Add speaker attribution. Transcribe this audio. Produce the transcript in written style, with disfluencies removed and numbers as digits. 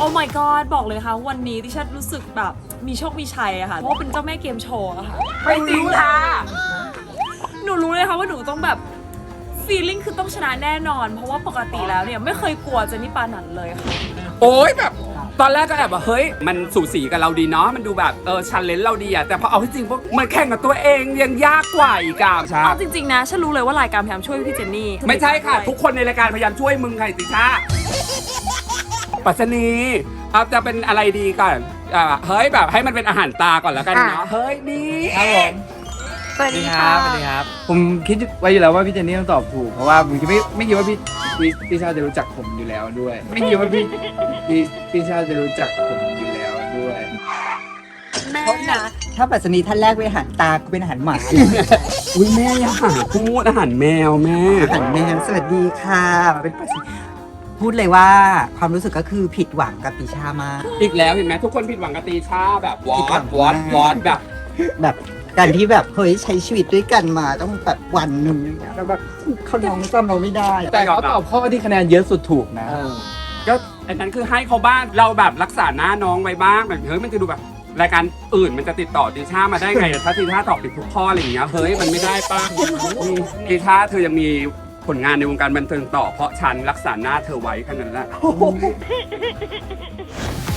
Speaker 1: อ้ my god บอกเลยค่ะวันนี้ดิฉันรู้สึกแบบมีโชคมีชัยอะค่ะเพราะว่าเป็นเจ้าแม่เกมโชว์อะค่ะ
Speaker 2: ไม่จริงค่ะ
Speaker 1: หนูรู้เลยค่ะว่าหนูต้องแบบ feeling คือต้องชนะแน่นอน เพราะว่าปกติแล้วเนี่ยไม่เคยกลัวเจนนี่ปานันเลยค่ะ
Speaker 2: โอ๊ยแบบตอนแรกก็แอบว่าเฮ้ยมันสูสีกับเราดีเนาะมันดูแบบชันเลนเราดีอะแต่พอเอาที่จริงพวกมันแข่งกับตัวเองยังยากกว่าอีกอะใช่
Speaker 1: เอาจริงๆนะฉันรู้เลยว่ารายการพยายามช่วยพี่เจนนี่
Speaker 2: ไม่ใช่ค่ะ ทุกคนในรายการพยายามช่วยมึงค่ะติชาปัสนีเอาจะเป็นอะไรดีก่อนเฮ้ยแบบให้มันเป็นอาหารตาก่อนแล้วกันเนาะเฮ้ยนี่
Speaker 3: ครับผม
Speaker 1: สวัส
Speaker 3: สวัส
Speaker 1: ดี
Speaker 3: ดีค
Speaker 1: ค่ะ
Speaker 3: รับสวัสดีครับ ผมคิดไว้อยู่แล้วว่าพี่เจนนี่ต้องตอบถูก เพราะว่าผมไม่คิดว่าพี่ชาจะรู้จักผมอยู่แล้วด้วย ไม่คิดว่าพี่ชาจะรู้จักผมอยู่แล้วด้วย
Speaker 1: แม่นะ
Speaker 4: ถ้าปัสนีท่านแรกเป็นอาหารตากูเป็นอาหารหมา
Speaker 2: อุ้ยแม่อย่าหาพูดอาหารแมวแม่
Speaker 4: อาหารแมวสวัสดีค่ะมาเป็นปัสนีพูดเลยว่าความรู้สึกก็คือผิดหวังกับติชามาก
Speaker 2: อีกแล้วเห็นไหมทุกคนผิดหวังกับตีชาแบบวอดแบบ
Speaker 4: แบบการที่แบบเฮ้ยใช้ชีวิตด้วยกันมาต้องแบบวันหนึ่งอย่างเงี้ยแล้วแบบเขาน้องจำเราไม่ได้อะ
Speaker 3: แต่เขาตอบข้อที่คะแนนเยอะสุดถูกนะ
Speaker 2: ก็อันนั้นคือให้เขาบ้างเราแบบรักษาหน้าน้องไว้บ้างแบบเฮ้ยมันจะดูแบบรายการอื่นมันจะติดต่อตีชามาได้ไงแต่ถ้าตีชาตอบผิดทุกข้ออะไรอย่างเงี้ยเฮ้ยมันไม่ได้ป่ะตีชาเธอยังมีผลงานในวงการบันเทิงต่อเพราะฉันรักษาหน้าเธอไว้แค่นั้นแหละ